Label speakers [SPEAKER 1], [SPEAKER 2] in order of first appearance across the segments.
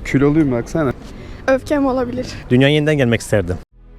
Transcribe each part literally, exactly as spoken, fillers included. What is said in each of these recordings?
[SPEAKER 1] Kiloluyum baksana.
[SPEAKER 2] Öfkem olabilir.
[SPEAKER 3] Dünyaya yeniden gelmek isterdim.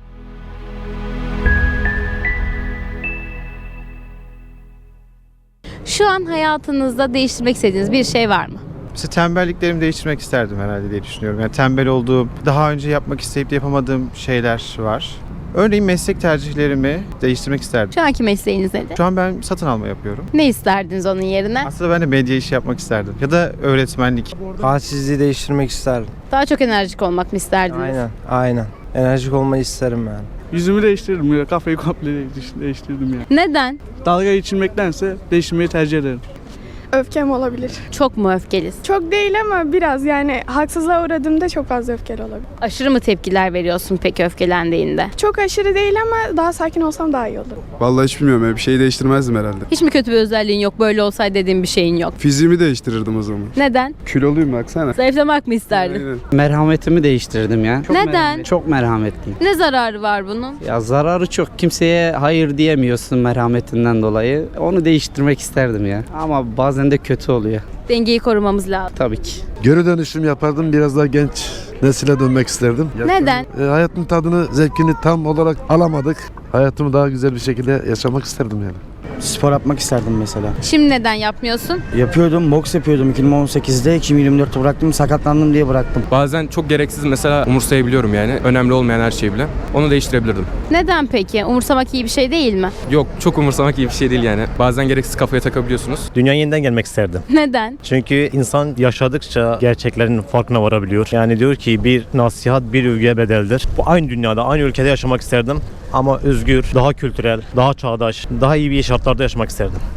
[SPEAKER 4] Şu an hayatınızda değiştirmek istediğiniz bir şey var mı?
[SPEAKER 5] Mesela tembelliklerimi değiştirmek isterdim herhalde diye düşünüyorum. Yani tembel olduğum, daha önce yapmak isteyip de yapamadığım şeyler var. Örneğin meslek tercihlerimi değiştirmek isterdim.
[SPEAKER 4] Şu anki mesleğiniz nedir?
[SPEAKER 5] Şu an ben satın alma yapıyorum.
[SPEAKER 4] Ne isterdiniz onun yerine?
[SPEAKER 5] Aslında ben de medya işi yapmak isterdim. Ya da öğretmenlik.
[SPEAKER 6] Halsizliği değiştirmek isterdim.
[SPEAKER 4] Daha çok enerjik olmak mı isterdiniz?
[SPEAKER 6] Aynen, aynen. Enerjik olmayı isterim yani.
[SPEAKER 1] Yüzümü değiştirdim ya. Kafayı komple değiş- değiştirdim ya.
[SPEAKER 4] Neden?
[SPEAKER 1] Dalga geçirmektense değiştirmeyi tercih ederim.
[SPEAKER 2] Öfkem olabilir.
[SPEAKER 4] Çok mu öfkelisin?
[SPEAKER 2] Çok değil ama biraz yani haksızlığa uğradığımda çok fazla öfkeli olabilir.
[SPEAKER 4] Aşırı mı tepkiler veriyorsun peki öfkelendiğinde?
[SPEAKER 2] Çok aşırı değil ama daha sakin olsam daha iyi olur.
[SPEAKER 1] Vallahi hiç bilmiyorum ya. Bir şey değiştirmezdim herhalde.
[SPEAKER 4] Hiç mi kötü bir özelliğin yok? Böyle olsaydı dediğin bir şeyin yok.
[SPEAKER 1] Fiziğimi değiştirirdim o zaman.
[SPEAKER 4] Neden?
[SPEAKER 1] Kiloluyum baksana.
[SPEAKER 4] Zayıflamak mı isterdin?
[SPEAKER 1] Aynen.
[SPEAKER 7] Merhametimi değiştirdim ya. Çok
[SPEAKER 4] Neden?
[SPEAKER 7] merhamet- Çok merhametliyim.
[SPEAKER 4] Ne zararı var bunun?
[SPEAKER 7] Ya zararı çok. Kimseye hayır diyemiyorsun merhametinden dolayı. Onu değiştirmek isterdim ya. Ama bazen de kötü oluyor.
[SPEAKER 4] Dengeyi korumamız lazım.
[SPEAKER 7] Tabii ki.
[SPEAKER 8] Geri dönüşüm yapardım. Biraz daha genç nesile dönmek isterdim.
[SPEAKER 4] Neden?
[SPEAKER 8] E, hayatın tadını, zevkini tam olarak alamadık. Hayatımı daha güzel bir şekilde yaşamak isterdim yani.
[SPEAKER 9] Spor yapmak isterdim mesela.
[SPEAKER 4] Şimdi neden yapmıyorsun?
[SPEAKER 9] Yapıyordum, boks yapıyordum iki bin on sekizde, iki bin yirmi dörtte bıraktım, sakatlandım diye bıraktım.
[SPEAKER 10] Bazen çok gereksiz mesela umursayabiliyorum yani. Önemli olmayan her şeyi bile. Onu değiştirebilirdim.
[SPEAKER 4] Neden peki? Umursamak iyi bir şey değil mi?
[SPEAKER 10] Yok, çok umursamak iyi bir şey değil yani. Bazen gereksiz kafaya takabiliyorsunuz.
[SPEAKER 3] Dünyaya yeniden gelmek isterdim.
[SPEAKER 4] Neden?
[SPEAKER 3] Çünkü insan yaşadıkça gerçeklerin farkına varabiliyor. Yani diyor ki bir nasihat bir övgüye bedeldir. Bu aynı dünyada, aynı ülkede yaşamak isterdim. Ama özgür, daha kültürel, daha çağdaş, daha iyi bir şartlarda yaşamak isterdim.